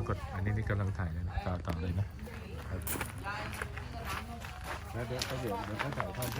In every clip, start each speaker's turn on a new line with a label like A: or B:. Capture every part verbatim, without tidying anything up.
A: กดอันนี้นี่กำลังถ่ายเลยนะต่อต่อเลยนะแล้วเดี๋ยวเดี๋ยวเดี๋ยวเขาถ่ายทอดขึ้น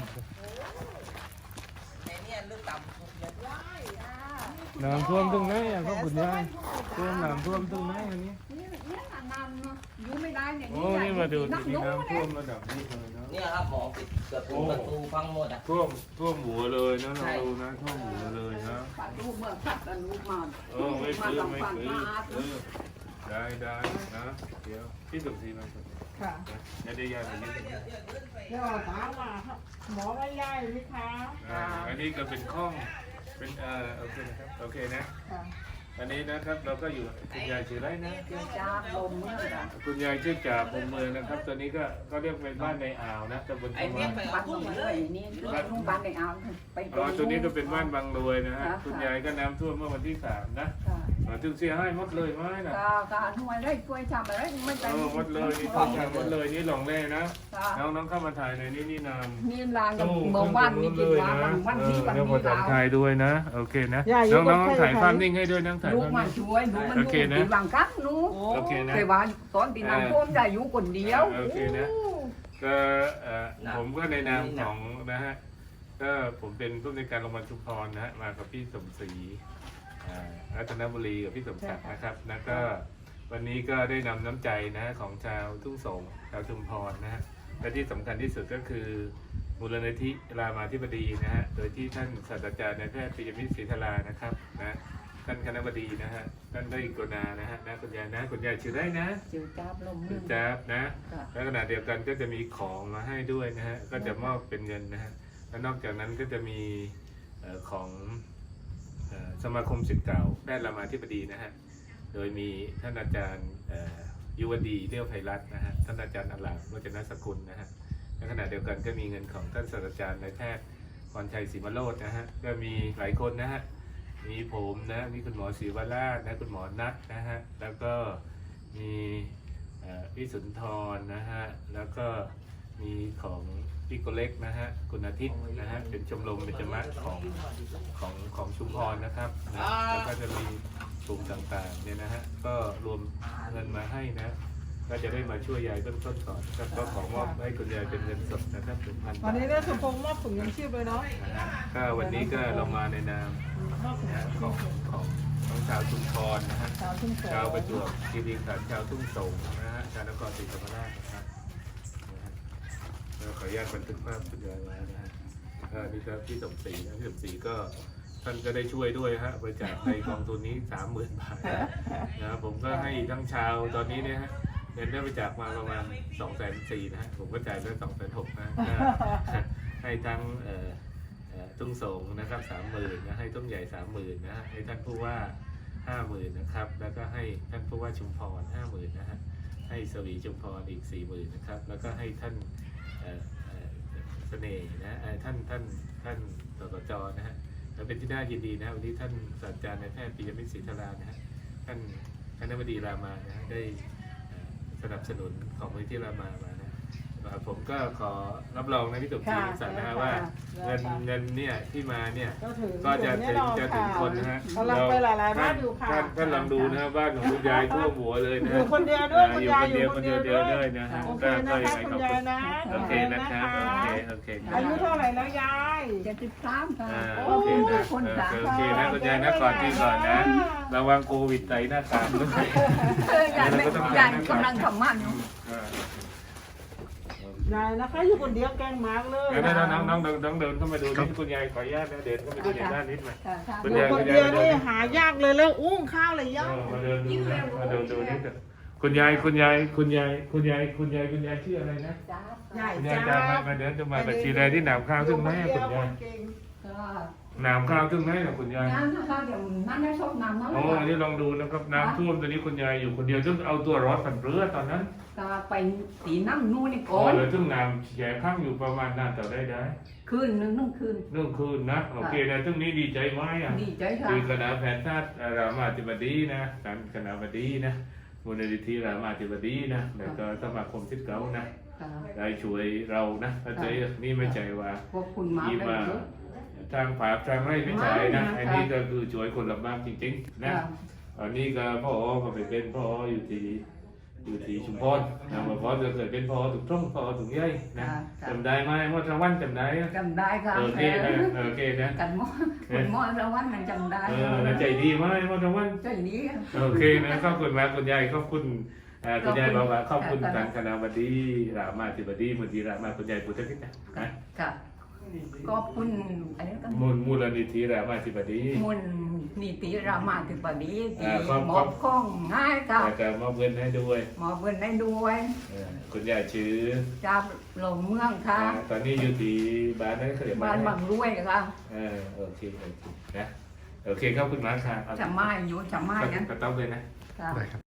A: น้ำท่วมตรงไหนอ่ะครับคุณยายท่วมน้ำท่วมตรงไหนอันนี้
B: อยู่ไม่ได้เนี่ย
A: โอ้นี่มาดูที่น้ำท่วมระดับนี้เลยนะ
C: เนี่ยครับหมอปิดเกือบทุกประตูพังหมดอ่ะ
A: ท่วมท่วมหัวเลยนะเราดูนะท่วมหัวเลยนะ
B: ปัดรูปเมื่อปัดรูปมา
A: เออไม่ซื้อไม่ซื้อเออได้ได้นะเดี๋ยวพี่สมศรีมาค่ะจะได้ยาอะไรนิดนึง
D: เดี๋ยวถามว่าหมอไม่ย้ายไหมคะ
A: อ่าอันนี้ก็เป็นข้องเป็นเอ่อโอเคนะครับโอเคนะอันนี้นะครับเราก็อยู่คุณยายชื่อไรนะ
B: จ้าลมเมื่อไหร่
A: คุณยายชื่อจ่าพรมเมืองนะครับตอนนี้ก็ก็เรียกเป็นบ้านในอ่าวนะตำบลทุ่ง
B: บ้านบางรวยนี่บ้านในอ่าวไป
A: อ๋อตัวนี้ก็เป็นบ้านบางรวยนะฮะคุณยายก็น้ำท่วมเมื่อวันที่สามนะถึงเสียให้หมดเลยไหมนะ
B: ก็ก็หน่วยได้ช่วยทำอะไรไม่ได้
A: หมดเลยนี่ต้องทำหมดเลยนี่หลงแร่นะน้องน้องเข้ามาถ่ายในนี่นี่นาม
B: นี่ลางกับเมื่อวันนี่กินวันวันที่วันนี้
A: เราถ่ายด้วยนะโอเคนะน้องน้องถ่ายภาพนิ่งให้ด้วยน้องถ่าย
B: ลูกมาช่วยลูกมันอยู่ที่บางกั๊กนู้เคยว่าตอนที่น้ำท่วมได้อยู่คนเดียว
A: โอเคนะก็ผมก็ในนามของนะฮะก็ผมเป็นผู้ในการโรงพยาบาลชุมพรนะฮะมากับพี่สมศรีรัตนบุรีกับพี่สมศักดิ์นะครับแล้วก็วันนี้ก็ได้นำน้ำใจนะของชาวทุ่งสงชาวชุมพรนะฮะและที่สำคัญที่สุดก็คือมูลนิธิรามาธิบดีนะฮะโดยที่ท่านศาสตราจารย์นายแพทย์ปิยมิตรศรีธารานะครับนะท่านคณบดีนะฮะท่านได้กรุณานะฮะนะคุณยายนะคุณยายชื่อได้นะ
B: ชื่อจ้าบลม
A: ชื่อจ้าบนะและขณะเดียวกันก็จะมีของมาให้ด้วยนะฮะก็จะมอบเป็นเงินนะฮะและนอกจากนั้นก็จะมีของสมาคมศิษย์เก่าแพทย์รามาธิบดีนะฮะโดยมีท่านอาจารย์ยุวดีเลี้ยวไพรัตน์นะฮะท่านอาจารย์อลามวัจนสกุลนะฮะในขณะเดียวกันก็มีเงินของท่านศาสตราจารย์นายแพทย์พรชัยศรีมโรจน์นะฮะก็มีหลายคนนะฮะมีผมนะมีคุณหมอศรีวราชนะคุณหมอนัทนะฮะแล้วก็มีพี่สุนทรนะฮะแล้วก็มีของพี่โกเล็กนะฮะคุณอาทิตย์นะฮะเป็นชมรมเบญจมรรคของของของชุมพรนะครับนะแล้วก็จะมีกลุ่มต่างๆเนี่ยนะฮะก็รวมเงินมาให้นะก็จะได้มาช่วยยายต้นต้นก่อนครับก็ขอมอบให้คุณยายเป็นเงินสดนะครับถึงพัน
D: วันนี้ได้สมพงษ์มอบถุงยังชีพเลยเนาะ
A: ก็วันนี้ก็เรามาในนามของของของชาวชุมพรนะฮะชาวประจวบคีรีขันธ์ชาวทุ่งสงนะฮะชาวนครศรีธรรมราชนะครับขออนุญาตบันทึกภาพคุณยายไว้นะฮะนี่ครับพี่สมศรีนะพี่สมศรีก็ท่านก็ได้ช่วยด้วยฮะบริจาคในกองทุนนี้สามหมื่นบาทนะผมก็ให้ทั้งชาวตอนนี้เนี่ยฮะเงินได้บริจาคมาประมาณสองแสนสี่นะฮะผมก็จ่ายไปสองแสนหกนะให้ทั้งทุ่งสงนะครับสามหมื่นนะให้ต้นใหญ่สามหมื่นนะฮะให้ท่านผู้ว่าห้าหมื่นนะครับแล้วก็ให้ท่านผู้ว่าชุมพรห้าหมื่นนะฮะให้สวีชุมพรอีกสี่หมื่นนะครับแล้วก็ให้ท่านเสน่ห์นะท่านท่านท่านสสจนะฮะแล้วเป็นที่น่ายินดีนะวันนี้ท่านศาสตราจารย์นายแพทย์ปิยมิตรศรีธารานะฮะท่านคณบดีรามานะฮะได้สนับสนุนของมูลนิธิรามามานะผมก็ขอรับรองนะพี่ตุ๊กจีสันนะฮะว่าเงินเงินเนี่ยที่มาเนี่ยก็จะถึงจะถึงคนนะฮะ
D: เราไปหลายๆบ้านอยู่ค่ะ
A: ท่านลองดูนะบ้านของคุณยายท่วมหัวเลยนะ
D: อยู่คนเดียวด้วยคุณยายอยู่
A: คนเดียวด้วยนะฮะ
D: ก็ก็ยังไงขอบคุณ
A: โอเคนะครับโอเคโอเค
D: อายุเท่าไหร่แล้วยาย
B: เจ็ดสิบสามค่ะ
A: โอเคนะโอเคนะคุณยายนะก่อนที่ก่อนนะระวังโควิดใส่หน้ากากด้วย
B: ยายยายกำลังทำมันอยู่
D: ยายนะคะอยู่คนเดียวแกงมากเลย
A: น้องน้องน้องเดินน้องเดินเข้ามาดูนี่คุณยายขออนุญาตนะเดินเข้ามาดูในด้านนิดหน่อย
D: อยู่คนเดียวนี่หายากเลยแล้วอุ้งข้าวเลยยาก
A: มาเดินดูมาเดินดูนี่คุณยายคุณยายคุณยายคุณยายคุณยายคุณยายชื่ออะไรนะคุณยายจะมามาเดินจะมาบัญชีใดที่หนามข้าวซึ่งไหมคุณยายหนามข้าวซึ่งไหมนะคุณยาย
B: น้ำนะคะเดี๋ยวน้ำได้ชอบน้ำน้ำ
A: โอ้อันนี้ลองดูนะครับน้ำท่วมตอนนี้คุณยายอยู่คนเดียวซึ่งเอาตัวรอดฝันเรือตอนนั้น
B: ก็ไปตีน้ำนู่นนี่ก่อ
A: นเลยซึ่งน้ำแฉข้างอยู่ประมาณนานต่อได้ได้
B: คืนนึงนึ่งคืน
A: นึ่งคืนนะโอเคนะซึ่งนี้ดีใจไหมอ่ะ
B: ดีใจค่ะ
A: คือคณะแพทยศาสตร์รามาธิบดีนะการคณะบดีนะมูลนิธิรามาธิบดีนะแล้วก็สมาคมศิษย์เก่านะได้ช่วยเรานะเข้าใจนี่ไม่ใจว่าที่มาทางผาทางไร่ไม่ใช่นะอันนี้ก็คือช่วยคนลำบากจริงๆนะโอันนี้ก็พ่อก็ไปเป็นพ่ออยู่ที่อยู่ที่ชุมพรนะเมื่อพ่อจะเคยเป็นพ่อถูกต้องพ่อถูกย่อยนะจำได้ไหมว่าทวันจำได้
B: จำได้ค่ะ
A: โอเคนะโอเคนะ
B: กันหมอคนหมอละวันนั้นจำได้
A: เออใจดีไหมว่าทวัน
B: ใจดี
A: โอเคนะขอบคุณมากคุณยายขอบคุณคุณยายบอกว่าขอบคุณทางคณะบดีรามาธิบดีมุนีรามาคุณยายพุทธกิจนะ
B: ค่ะขอบคุณอะไรกัน
A: มูลมูลนิธิรามาธิบดี
B: มูลนิธิรามาธิบดีที่
A: อ่าขอบ
B: มอบข้องง่ายค่ะ
A: แล้วก็มอบเงินให้ด้วย
B: มอบเงินได้ด้วย
A: เออคุณยายชื่อ
B: จากหลงเมืองค่ะ
A: อ่าตอนนี้อยู่ที่บ้านนั่นเขาเรียก
B: บ้านบางรวยค่ะ
A: เออโอเคโอเคนะโอเคขอบคุณมากครับ
B: จะไม้อยู่จะไม้นะ
A: ก็ต้องเลยนะ
B: ค่ะ